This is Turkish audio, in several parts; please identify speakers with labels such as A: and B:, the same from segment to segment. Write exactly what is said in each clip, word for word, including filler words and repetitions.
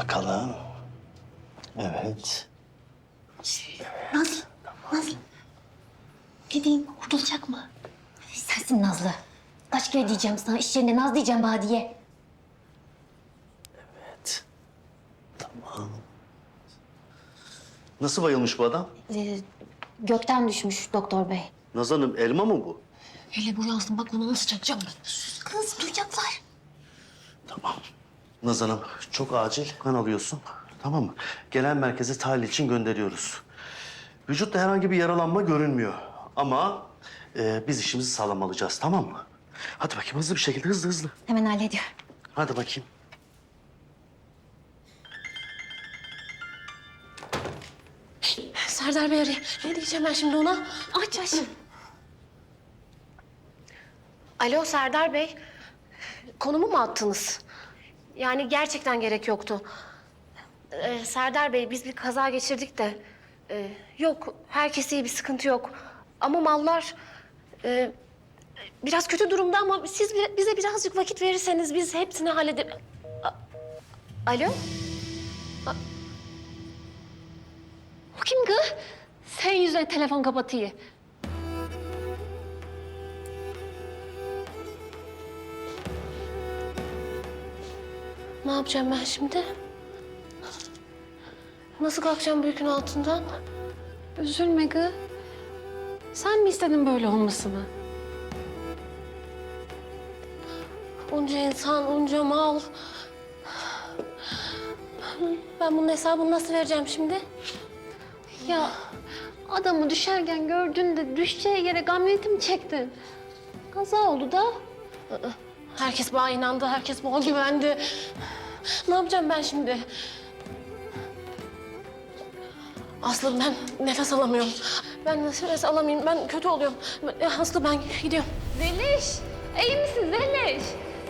A: bakalım. Evet.
B: Nazlı, Nazlı. Gideyim, kurtulacak mı? Sensin Nazlı. Kaç kere diyeceğim sana, iş yerinde Naz diyeceğim Badiye.
A: Evet. Tamam. Nasıl bayılmış bu adam?
B: Ee, gökten düşmüş doktor bey.
A: Naz Hanım, elma mı bu?
B: Hele bu yansın, bak onu nasıl çakacağım ben. Sus kız, duyacaklar.
A: Tamam. Naz Hanım, çok acil kan alıyorsun. Tamam mı? Gelen merkeze tahlil için gönderiyoruz. Vücutta herhangi bir yaralanma görünmüyor. Ama e, biz işimizi sağlam alacağız, tamam mı? Hadi bakayım hızlı bir şekilde, hızlı hızlı.
B: Hemen hallediyorum.
A: Hadi bakayım.
C: Serdar Bey arıyor. Ne diyeceğim ben şimdi ona? Aç aç. Alo Serdar Bey. Konumu mu attınız? Yani gerçekten gerek yoktu. Ee, Serdar Bey biz bir kaza geçirdik de... e, yok herkes iyi, bir sıkıntı yok. Ama mallar e, biraz kötü durumda ama siz bi- bize birazcık vakit verirseniz biz hepsini hallederiz. Alo? A- O kim kız? Sen yüzüne telefon kapatıyor. Ne yapacağım ben şimdi? Nasıl kalkacağım bu yükün altından?
D: Üzülme kız. Sen mi istedin böyle olmasını?
C: Onca insan, onca mal. Ben bunun hesabını nasıl vereceğim şimdi?
D: Ya adamı düşerken gördün de düşeceği yere kamyoneti mi çektin? Kaza oldu da.
C: Herkes bana inandı, herkes bana güvendi. Ne yapacağım ben şimdi? Aslı ben nefes alamıyorum. Ben nefes alamayayım, ben kötü oluyorum. Ben- Aslı ben gidiyorum.
D: Zeliş! İyi misin Zeliş?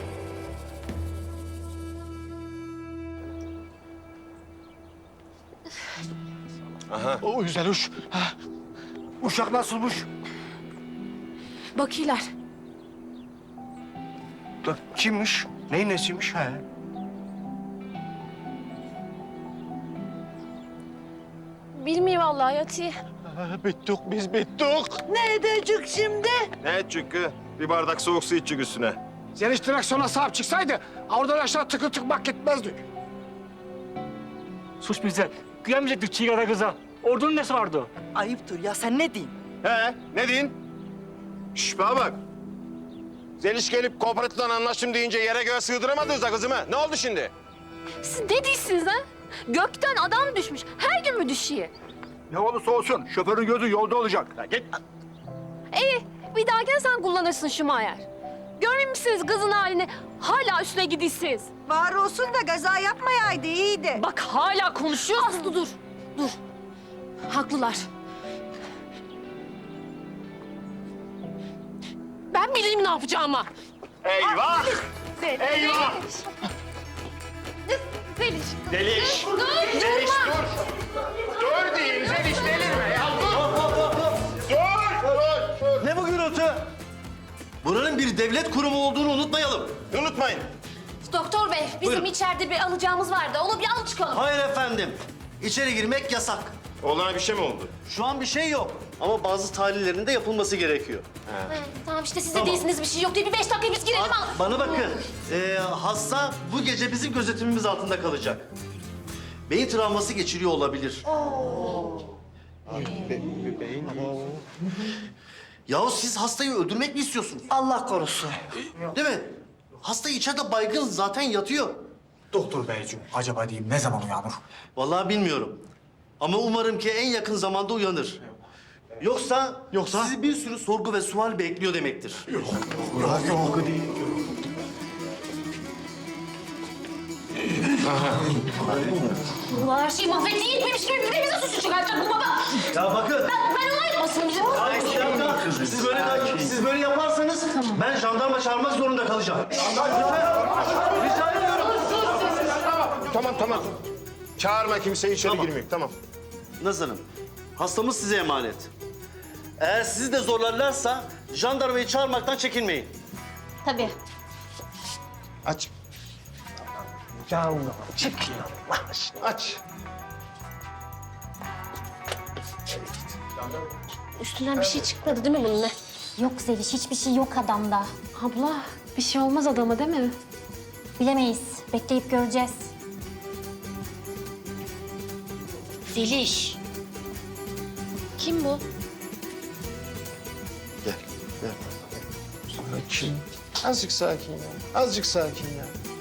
E: O güzel uş. Ha. Uşak nasılmış?
C: Bakiler.
E: Da kimmiş? Neyin nesiymiş? He.
C: Bilmiyorum vallahi Yati.
E: Ha, bittik biz bittik.
F: Ne edecek şimdi?
G: Ne edecek ki? Bir bardak soğuk su içecek üstüne.
E: Zeliş direksiyona sahip çıksaydı oradan aşağı tıkır tıkmak gitmezdik.
H: Sus bize. Güvenmeyecektik Çiğgara kıza. Ordunun nesi vardı?
F: Ayıptır ya, sen ne diyeyim?
G: He, ne diyin? Şş, bana bak. Zeliş gelip kooperatifle anlaştım deyince yere göğe sığdıramadınız da kızımı. Ne oldu şimdi?
D: Siz ne değilsiniz ha? Gökten adam düşmüş. Her gün mü düşüyor?
E: Ne olursa olsun şoförün gözü yolda olacak. Ha, git.
D: İyi. Bir dahakine sen kullanırsın Şumayer. Görmüyor musunuz kızın halini? Hala üstüne gidiyorsunuz.
F: Var olsun da gaza yapmayaydı, iyiydi.
D: Bak hala konuşuyor.
C: Aslı dur, dur. Haklılar. Ben bileyim ne yapacağımı.
G: Eyvah! Eyvah!
D: Zeliş.
G: Zeliş! Zeliş dur! Dur deyin Zeliş, delirme ya! Dur! Dur! Dur!
A: Ne bu gürültü? Buranın bir devlet kurumu olduğunu unutmayalım.
G: Unutmayın.
C: Doktor bey, bizim
A: Buyurun.
C: içeride bir alacağımız vardı. Onu bir al çıkalım.
A: Hayır efendim. İçeri girmek yasak.
G: Oğlana bir şey mi oldu?
A: Şu an bir şey yok. Ama bazı tahlillerin de yapılması gerekiyor.
C: He, tamam işte siz de
A: Tamam.
C: değilsiniz, bir şey yok diye bir beş dakika biz girelim al.
A: Bana bakın. Ee, hasta bu gece bizim gözetimimiz altında kalacak. Beyin travması geçiriyor olabilir. Yahu siz hastayı öldürmek mi istiyorsunuz?
F: Allah korusun.
A: Değil mi? Hasta içeride baygın zaten yatıyor.
E: Doktor beyciğim acaba diyeyim ne zaman uyanır?
A: Vallahi bilmiyorum. Ama umarım ki en yakın zamanda uyanır. Yoksa,
E: Yoksa?
A: sizi bir sürü sorgu ve sual bekliyor demektir.
E: Yok yok değil.
C: Allah her şeyi mahvetti, yetmemiş gibi bir de bize suçu çıkartacak bu baba.
A: Ya bakın.
C: Ben ona yapmasın bizim.
A: Ay, bir dakika. Siz böyle, siz böyle yaparsanız ben jandarma çağırmak zorunda kalacağım. Jandarma, rica ediyorum.
G: Tamam, tamam. Çağırma kimseyi, içeri
A: Tamam.
G: girmiyor. Tamam.
A: Naz Hanım, hastamız size emanet. Eğer sizi de zorlarlarsa jandarmayı çağırmaktan çekinmeyin.
B: Tabii.
G: Aç.
E: Canım çık ya Allah aşkına aç.
C: Üstünden bir şey çıkmadı değil mi bunun ne?
B: Yok Zeliş, hiçbir şey yok adamda.
D: Abla bir şey olmaz adama değil mi?
B: Bilemeyiz. Bekleyip göreceğiz.
C: Zeliş. Kim bu?
G: Gel, gel. Sakin. Azıcık sakin ya. Azıcık sakin ya.